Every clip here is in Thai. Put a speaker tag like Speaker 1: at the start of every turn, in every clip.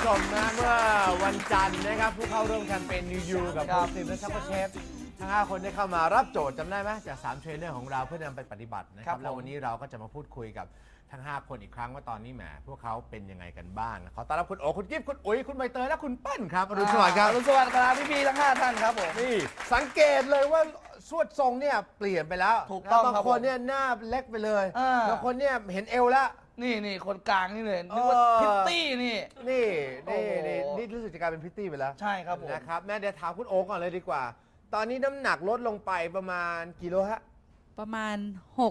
Speaker 1: มนะเมื่อวันจันทร์นะครับผู้เข้าร่วมแคมเปญ New You กับคุณซิมและชักเชฟทั้ง 5 คนได้เข้ามารับโจทย์จำได้ไหมจาก3เทรนเนอร์ของเราเพื่อนำไปปฏิบัตินะครับแล้ววันนี้เราก็จะมาพูดคุยกับทั้ง 5 คนอีกครั้งว่าตอนนี้แหมพวกเขาเป็นยังไงกันบ้างขอต้อนรับคุณโอคุณกิ๊ฟคุณอุ๋ยคุณใบเตยและคุณเปิ้ลครับอรุณสวัสดิ์ครับ
Speaker 2: อรุณสวัสดิ์ครับพี่ๆทั้ง5ท่านครับผม
Speaker 1: นี่สังเกตเลยว่าสวดทรงเนี่ยเปลี่ยนไปแล้ว
Speaker 2: ถูกต้องครับ
Speaker 1: บางคนเนี่ยหน้าเล็กไปเลยบางคนเนี่ยเห็นเอวแล้ว
Speaker 2: นี่คนกลางนี่เลยนึกว่าพิตตี้นี่
Speaker 1: นี่รู้สึกจะกลายเป็นพิตตี้ไปแล้ว
Speaker 2: ใช่ครับผม
Speaker 1: นะครับแม่เดี๋ยวถามคุณโอก่อนเลยดีกว่า ตอนนี้น้ำหนักลดลงไปประมาณกี่โลฮะ
Speaker 3: ประมาณ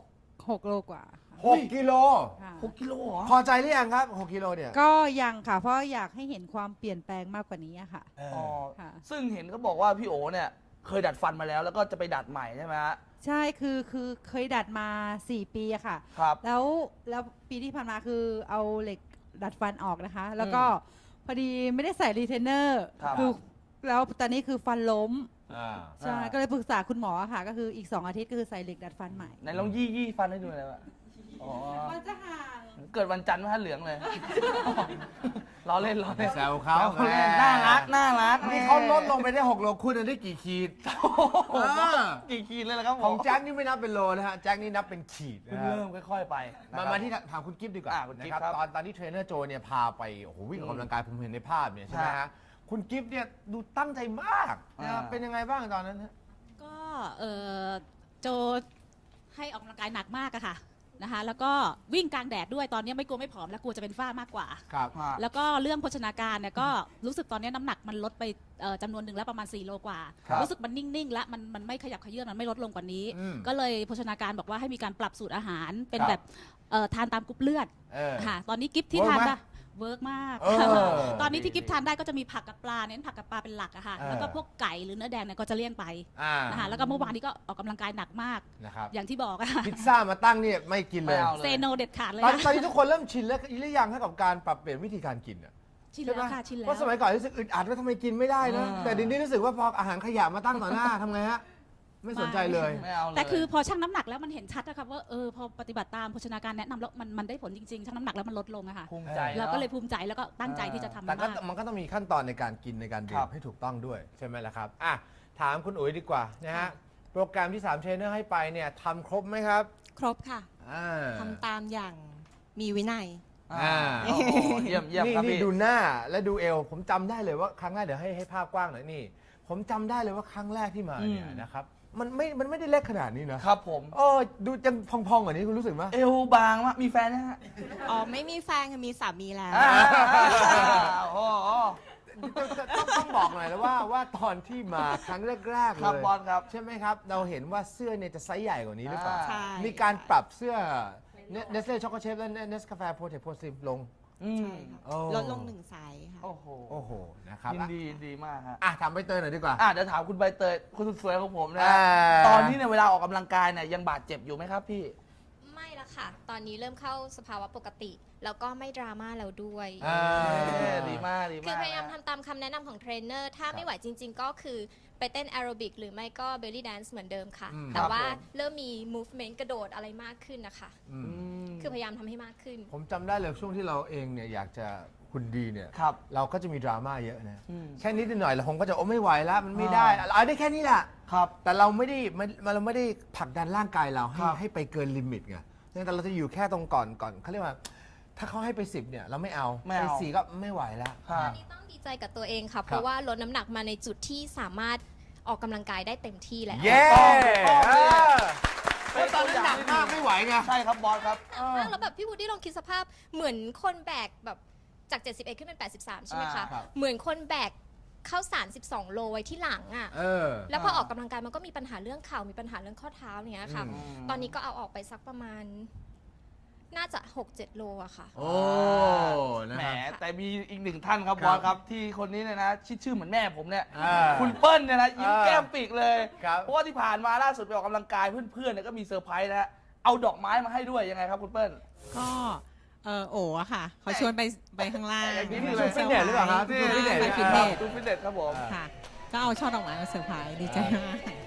Speaker 3: 6 โลกว่าค่ะ
Speaker 1: 6 กิโล
Speaker 3: ค่ะ
Speaker 2: 6 กิโลเหรอ
Speaker 1: พอใจหรือยังครับ6 กิโลเนี่ย
Speaker 3: ก็ยังค่ะ เพราะอยากให้เห็นความเปลี่ยนแปลงมากกว่านี้อะค่ะ
Speaker 2: อ๋อ
Speaker 3: ค่ะ
Speaker 2: ซึ่งเห็นเขาบอกว่าพี่โอเนี่ยเคยดัดฟันมาแล้วก็จะไปดัดใหม่ใช่ไหมฮะ
Speaker 3: ใช่คือเคยดัดมา4 ปีอะค่ะ
Speaker 2: ครับ
Speaker 3: แล้วปีที่ผ่านมาคือเอาเหล็กดัดฟันออกนะคะ แล้วก็พอดีไม่ได้ใส่รีเทนเนอร์
Speaker 2: ครับ
Speaker 3: คือแล้วตอนนี้คือฟันล้ม
Speaker 1: อ่า
Speaker 3: ใช่ก็เลยปรึกษาคุณหมอค่ะ ก็คืออีก2 อาทิตย์ก็คือใส่เหล็กดัดฟันใหม่
Speaker 2: ไหนลองยี่ฟันให้ดูหน่อยวะอ๋อ
Speaker 3: มันจะห่าง
Speaker 2: เกิดวันจันทร์ไหมฮะเหลืองเลย ล้อเล่น
Speaker 1: แซวเขา
Speaker 2: เล่นน่ารัก
Speaker 1: นี่เขาลดลงไปได้6 โลคุณได้กี่ขีด
Speaker 2: โอ้โหกี่ขีดเลยล่ะครับผม
Speaker 1: ของแจ็คนี่ไม่นับเป็นโลนะฮะแจ็คนี่นับเป็นขีด
Speaker 2: เพิ่
Speaker 1: นะ
Speaker 2: ง
Speaker 1: ฮะ
Speaker 2: เริ่มค่อยๆไปนะครับ
Speaker 1: มาที่ถามคุณกิฟต์ดีกว่า
Speaker 2: คุณ
Speaker 1: นะ
Speaker 2: กิ๊
Speaker 1: ค
Speaker 2: ฟ
Speaker 1: รับ
Speaker 2: ครับ
Speaker 1: ตอนที่เทรนเนอร์โจเนี่ยพาไปโอ้โหวิ่งออกกำลังกายผมเห็นในภาพเนี่ยใช่ไหม
Speaker 2: ใช่
Speaker 1: ฮะคุณกิฟต์เนี่ยดูตั้งใจมากนะครับเป็นยังไงบ้างตอนนั้นฮะ
Speaker 4: ก็โจให้ออกกำลังกายหนักมากอะค่ะนะคะแล้วก็วิ่งกลางแดดด้วยตอนนี้ไม่กลัวไม่ผอมแล้วกลัวจะเป็นฝ้ามากกว่า
Speaker 1: ครับ
Speaker 4: แล้วก็เรื่องโภชนาการเนี่ยก็รู้สึกตอนนี้น้ำหนักมันลดไปจำนวนหนึ่งแล้วประมาณ4 โลกว่า
Speaker 1: ครับ
Speaker 4: รู้สึกมันนิ่งๆแล้วมันไม่ขยับเขยื้อนมันไม่ลดลงกว่านี้
Speaker 1: อืม
Speaker 4: ก็เลยโภชนาการบอกว่าให้มีการปรับสูตรอาหารเป็น
Speaker 1: ครับ
Speaker 4: แบบทานตามกรุ๊ปเลือด
Speaker 1: เออ
Speaker 4: ค่ะตอนนี้กิฟที่
Speaker 1: เวิร์ก
Speaker 4: ทาน
Speaker 1: ไหม
Speaker 4: ได้เวิร์กมาก
Speaker 1: เออ
Speaker 4: ตอนนี้ที่กิฟทานได้ก็จะมีผักกับปลาเน้นผักกับปลาเป็นหลักอะค่ะ
Speaker 1: เออ
Speaker 4: แล้วก็พวกไก่หรือเนื้อแดงเนี่ยก็จะเลี่ยงไป
Speaker 1: อ่า
Speaker 4: นะคะแล้วก็เมื่อวานนี้ก็ออกกำลังกายหนักมาก
Speaker 1: นะครับ
Speaker 4: อย่างที่บอกอะ
Speaker 1: พิซซ่ามาตั้งเนี่ยไม่กินเลย
Speaker 2: ไม่เอา
Speaker 4: เซโนเด็ดขาดเลย
Speaker 1: ตอน
Speaker 4: นะ
Speaker 1: ตอนนี้ทุกคนเริ่มชินแล้วหรือยังให้กับการปรับเปลี่ยนวิธีการกินอ่ะ
Speaker 4: ชินแล้วค่ะชินแล้ว
Speaker 1: เพราะสมัยก่อนรู้สึกอึดอัดว่าทำไมกินไม่ได้นะ แต่เดี๋ยวนี้รู้สึกว่าพออาหารขยะมาตั้งต่อหน้าทำไงฮะไม่สนใจเลย
Speaker 2: ไม่เอาเลย
Speaker 4: แต่คือพอชั่งน้ำหนักแล้วมันเห็นชัดนะครับว่าพอปฏิบัติตามโภชนาการแนะนำแล้วมันได้ผลจริงๆชั่งน้ำหนักแล้วมันลดลงอะค่ะ
Speaker 2: ภูมิใจ
Speaker 4: เรา
Speaker 2: นะ
Speaker 4: ก็เลยภูมิใจแล้วก็ตั้งใจที่จะทำ
Speaker 1: แต่ก็
Speaker 4: มาก
Speaker 1: มันก็ต้องมีขั้นตอนในการกินในการดื่
Speaker 2: ครั
Speaker 1: ม
Speaker 2: บ
Speaker 1: ให้ถูกต้องด้วยใช่ไหมล่ะครับอ่ะถามคุณอุ๋ยดีกว่านะฮะโปรแกรมที่3เทรนเนอร์ให้ไปเนี่ยทำครบไหมครับ
Speaker 5: ครบค่ะ
Speaker 1: อ่า
Speaker 5: ทำตามอย่างมีวินัย
Speaker 1: อ่า
Speaker 2: โอ้โหเยี่ยม
Speaker 1: นี่
Speaker 2: ครับ
Speaker 1: นี่
Speaker 2: พี่
Speaker 1: ดูหน้าและดูเอว ผมจำได้เลยว่าครั้งแรกเดี๋ยวให้ภาพกว้างหน่อยนี่ ผมจำได้เลยว่าครั้งแรกที่มาเนี่ยนะครับมันไม่ได้เล็กขนาดนี้นะครับ
Speaker 2: ผม
Speaker 1: ดูจังพองๆกว่านี้คุณรู้สึกไหม
Speaker 2: เอวบางมากมีแฟนนะฮะ
Speaker 5: อ๋อ ไม่มีแฟนค่ะมีสามีแล้ว
Speaker 2: โอ้โห
Speaker 1: ต้องบอกหน่อยแล้วว่าตอนที่มาครั้งแรกๆเล
Speaker 2: ครับ
Speaker 1: ย
Speaker 2: บอลครับ
Speaker 1: ใช่ไหมครับ เราเห็นว่าเสื้อเนี่ยจะไซส์ใหญ่กว่านี้หรือเปล่า
Speaker 5: ใช่
Speaker 1: มีการปรับเสื้อเนสเล่ช็อกโกเชฟและเนสกาแฟโปรเทคโพซิมลง
Speaker 2: อืม
Speaker 5: ใช่ค่ะ
Speaker 1: โอ้
Speaker 5: ลดลง1 ไซส์ค่ะ
Speaker 2: โอ้โห
Speaker 1: โอ้โหนะครับ
Speaker 2: ยินดีมากฮะ
Speaker 1: ถามใบเตยหน่อยดีกว่า
Speaker 2: เดี๋ยวถามคุณใบเตยคุณสุดสวยของผมนะ
Speaker 1: อ่า
Speaker 2: ตอนนี้เนี่ยเวลาออกกำลังกายเนี่ยยังบาดเจ็บอยู่ไหมครับพี่
Speaker 6: ไม่ละค่ะ ตอนนี้เริ่มเข้าสภาวะปกติ แล้วก็ไม่ดราม่าแล้วด้วย
Speaker 2: ดีมาก
Speaker 6: คือพยายามทำตามคำแนะนำของเทรนเนอร์ ถ้าไม่ไหวจริง ๆ ก็คือไปเต้นแอโรบิกหรือไม่ก็เบลลี่แดนซ์เหมือนเดิมค่ะ แต่ว่าเริ่มมี movement กระโดดอะไรมากขึ้นนะคะ คือพยายามทำให้มากขึ้น
Speaker 1: ผมจำได้เลยช่วงที่เราเองเนี่ยอยากจะคุณดีเนี่ย
Speaker 2: ครับ
Speaker 1: เราก็จะมีดราม่าเยอะนะ
Speaker 2: อืม
Speaker 1: แค่นิดหน่อยเราคงก็จะไม่ไหวแล้วมันไม่ได้เอาได้แค่นี้แหละ
Speaker 2: ครับ
Speaker 1: แต่เราไม่ได้ผลักดันร่างกายเราให้
Speaker 2: ครับ
Speaker 1: ให้ไปเกินลิมิตไงแต่เราจะอยู่แค่ตรงก่อนเขาเรียกว่า ถ้าเขาให้ไป10เนี่ยเราไม่เอา
Speaker 2: ไม่
Speaker 1: ไป
Speaker 2: เอา
Speaker 1: 4ก็ไม่ไหวแล้ว
Speaker 2: ครั
Speaker 6: ตอบ นนี้ต้องดีใจกับตัวเองค่ะ เพ
Speaker 1: ครั
Speaker 6: ราะ
Speaker 1: บ
Speaker 6: ว่าลดน้ำหนักมาในจุดที่สามารถออกกำลังกายได้เต็มที่แล้ว
Speaker 1: เย้
Speaker 2: ต้องเลย
Speaker 1: เพราะตอนนั้นหนักมากไม่ไหวไง
Speaker 2: ใช่ครับบอสครับ
Speaker 6: มากแล้วแบบพี่วูดดี้ลองคิดสภาพเหมือนคนแบกแบบจาก 71 ขึ้นเป็น 83 ใช่ไหมคะ
Speaker 1: ครับ
Speaker 6: เหมือนคนแบกข้าวสาร 12 โลไว้ที่หลังอ่ะ แล้วพอออกกำลังกายมันก็มีปัญหาเรื่องเข่ามีปัญหาเรื่องข้อเท้าเนี้ยค่ะ
Speaker 1: อืม
Speaker 6: ตอนนี้ก็เอาออกไปสักประมาณ น่าจะ 6-7 โลอะค่ะ
Speaker 1: โอ้นะ
Speaker 2: แหม
Speaker 1: ครับ
Speaker 2: แต่มีอีกหนึ่งท่านครับ
Speaker 1: ครับ
Speaker 2: บอสครับที่คนนี้เนี่ยนะชื่อเหมือนแม่ผมเนี่ย
Speaker 1: อ่า
Speaker 2: คุณเปิ้ลเนี่ยนะยิ้ม
Speaker 1: อ่า
Speaker 2: แก้มปีกเลย
Speaker 1: ครับ
Speaker 2: เพราะว่าที่ผ่านมาล่าสุดไปออกกำลังกายเพื่อนๆเนี่ยก็มีเซอร์ไพรส์นะฮะเอาดอกไม้มาให้ด้วยยังไงครับคุณเปิ้ล
Speaker 7: ก็โอ๋อะค่ะเขาชวนไปข้างล่าง
Speaker 2: อย่างนี้
Speaker 7: มา
Speaker 2: เลย
Speaker 7: เซอร์
Speaker 1: ฟิตเนสหรือเปล่าครับ
Speaker 7: ไพรส์
Speaker 1: ฟิตเนส
Speaker 7: ไปฟิตเนส
Speaker 2: ดูฟิตเนสครับผม
Speaker 7: ค่ะ ก็เอาช่อดอกไม้มาเซอร์ไพรส์ดีใจมาก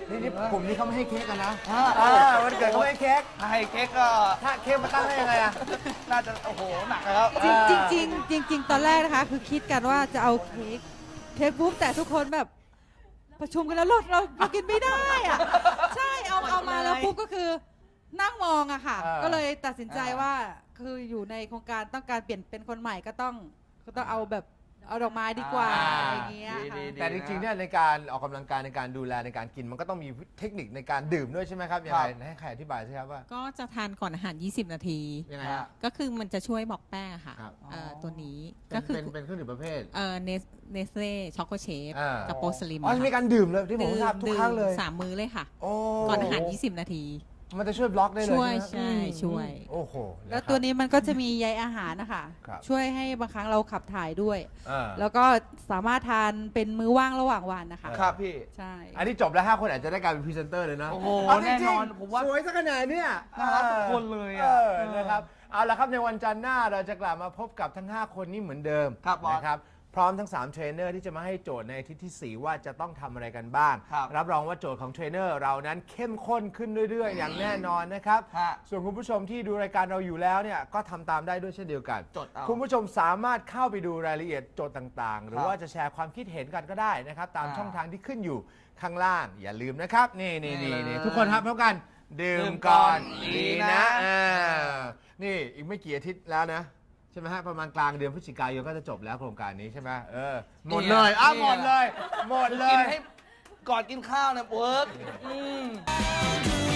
Speaker 1: นี่กลุ่มนี้เขาไม่ให้เค้กกันนะ
Speaker 2: อ่า
Speaker 1: วันเกิดเขาไม่ให้เค้ก
Speaker 2: ให้เค้กก็
Speaker 1: ถ้าเค้กมาตั้งได้ยังไงอะ
Speaker 2: น่าจะโอ้โหหนักนะครับ
Speaker 3: จริงๆตอนแรกนะคะ คือคิดกันว่าจะเอาเค้กปุ๊บแต่ทุกคนแบบประชุมกันแล้วเรากินไม่ได้อะใช่เอามาแล้วปุ๊บก็คือนั่งมองอะค่ะ ก็เลยตัดสินใจว่าคืออยู่ในโครงการต้องการเปลี่ยนเป็นคนใหม่ก็ต้องเอาแบบเอาดอกไม้ดีกว่าอะไรอย่างเงี้ยค่ะ
Speaker 1: แต่จริงๆเนี่ยในการออกกำลังกายในการดูแลในการกินมันก็ต้องมีเทคนิคในการดื่มด้วยใช่ไหมครับยังไงให้ใครอธิบายสิครับว่า
Speaker 7: ก็จะทานก่อนอาหาร 20 นาที
Speaker 1: ยังไงฮะ
Speaker 7: ก็คือมันจะช่วยบอกแป้งอะค่ะ
Speaker 1: ครับ
Speaker 7: ตัวนี้
Speaker 1: เป็
Speaker 7: ก็
Speaker 1: น
Speaker 7: คือ
Speaker 1: เป็นเครื่องดื่มประเภท
Speaker 7: เนสเล่ช็อกโกเชฟ
Speaker 1: อ่า
Speaker 7: กับโปรสลิม
Speaker 1: อ๋อจะมีการดื่มเลยที่ผมทราบทุกครั้งเลย
Speaker 7: 3 มื้อเลยค่ะ
Speaker 1: โอ้
Speaker 7: ก่อนอาหาร 20 นาที
Speaker 1: มันจะช่วยบล็อกได้เลย
Speaker 7: ช่วย
Speaker 1: ใช่ไหม
Speaker 7: ใช่ช่วย
Speaker 1: โอ้โห
Speaker 3: แล้วตัวนี้มันก็จะมีใยอาหารนะคะ
Speaker 1: ครับ
Speaker 3: ช่วยให้บางครั้งเราขับถ่ายด้วย
Speaker 1: อ่า
Speaker 3: แล้วก็สามารถทานเป็นมื้อว่างระหว่างวันนะคะ
Speaker 2: ครับพี่
Speaker 3: ใช่
Speaker 1: อันนี้จบแล้ว5 คนอาจจะได้กลายเป็นพรีเซนเตอร์เลยนะ
Speaker 2: โอ้โห
Speaker 1: เาจริงๆ
Speaker 2: แน่นอนผมว่า
Speaker 1: สวยสักขนาดเนี้ย
Speaker 2: น่ารักทุกคนเลยอะ
Speaker 1: นะครับ เอาละครับในวันจันทร์หน้าเราจะกลับมาพบกับทั้ง 5 คนนี้เหมือนเดิม
Speaker 2: ครับบอส
Speaker 1: นะครับ พร้อมทั้ง 3 เทรนเนอร์ที่จะมาให้โจทย์ในอาทิตย์ที่ 4 ว่าจะต้องทำอะไรกันบ้าง
Speaker 2: ครับ
Speaker 1: รับรองว่าโจทย์ของเทรนเนอร์เรานั้นเข้มข้นขึ้นเรื่อยๆ อย่างแน่นอนนะครับ
Speaker 2: ฮะ
Speaker 1: ส่วนคุณผู้ชมที่ดูรายการเราอยู่แล้วเนี่ยก็ทำตามได้ด้วยเช่นเดียวกัน
Speaker 2: จดเอา
Speaker 1: คุณผู้ชมสามารถเข้าไปดูรายละเอียดโจทย์ต่างๆ หรือว่าจะแชร์ความคิดเห็นกันก็ได้นะครับ ตาม
Speaker 2: อ่า
Speaker 1: ช่องทางที่ขึ้นอยู่ข้างล่าง อย่าลืมนะครับ นี่
Speaker 2: นี่เลย
Speaker 1: ทุกคนครับพร้อมกัน ดื่
Speaker 2: ดื่
Speaker 1: ม
Speaker 2: ม
Speaker 1: ก่อน
Speaker 2: ก่อน
Speaker 1: ดี
Speaker 2: ดี
Speaker 1: นะ
Speaker 2: นะ
Speaker 1: นี่อีกไม่กี่อาทิตย์แล้วนะ ใช่ไหมฮะประมาณกลางเดือนพฤศจิกายนก็จะจบแล้วโครงการนี้ใช่ไหมหมดเลยหมดเลยหมดเล
Speaker 2: กิน
Speaker 1: ย
Speaker 2: ให้ก่อนกินข้าวเนี่ยเวิร์ก